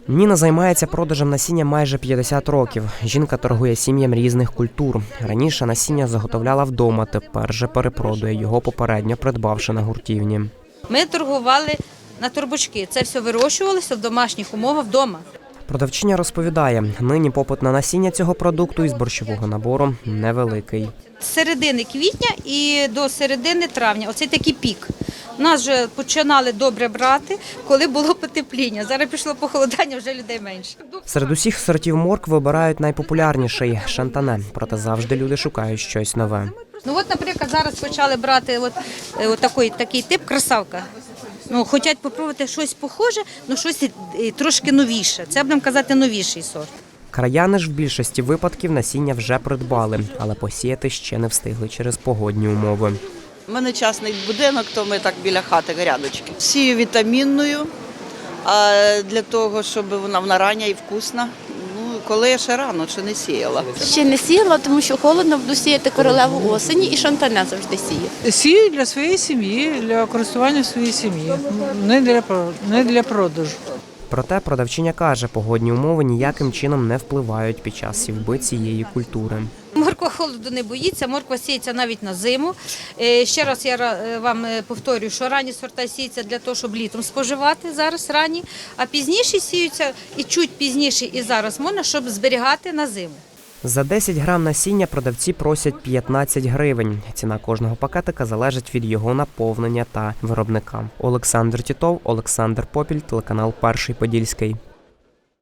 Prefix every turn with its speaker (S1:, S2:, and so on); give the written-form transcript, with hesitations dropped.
S1: Ніна займається продажем насіння майже 50 років. Жінка торгує сім'ям різних культур. Раніше насіння заготовляла вдома, тепер же перепродує його, попередньо придбавши на гуртівні.
S2: Ми торгували на торбочки. Це все вирощувалося в домашніх умовах вдома.
S1: Продавчиня розповідає, нині попит на насіння цього продукту із борщового набору невеликий.
S2: З середини квітня і до середини травня. Оце такий пік. Нас вже починали добре брати, коли було потепління. Зараз пішло похолодання, вже людей менше.
S1: Серед усіх сортів моркви вибирають найпопулярніший – шантане. Проте завжди люди шукають щось нове.
S2: Ну от, наприклад, зараз почали брати такий тип красавка. Хочуть спробувати щось похоже, але щось трошки новіше. Це, будемо казати, новіший сорт.
S1: Краяни ж в більшості випадків насіння вже придбали, але посіяти ще не встигли через погодні умови.
S3: У мене частний будинок, то ми так біля хати грядочки. Сію вітамінною, а для того, щоб вона рання і вкусна. Коли я ще рано, чи не сіяла.
S4: Ще не сіяла, тому що холодно, буду сіяти королеву осені і шантане завжди сію.
S5: Сію для своєї сім'ї, для користування своєї сім'ї, не для продажу.
S1: Проте продавчиня каже, погодні умови ніяким чином не впливають під час сівби цієї культури.
S2: Морква холоду не боїться, морква сіється навіть на зиму. Ще раз я вам повторюю, що ранні сорта сіються для того, щоб літом споживати, зараз ранні, а пізніші сіються і чуть пізніше і зараз можна, щоб зберігати на зиму.
S1: За 10 грам насіння продавці просять 15 гривень. Ціна кожного пакетика залежить від його наповнення та виробника. Олександр Тітов, Олександр Попіль, телеканал Перший Подільський.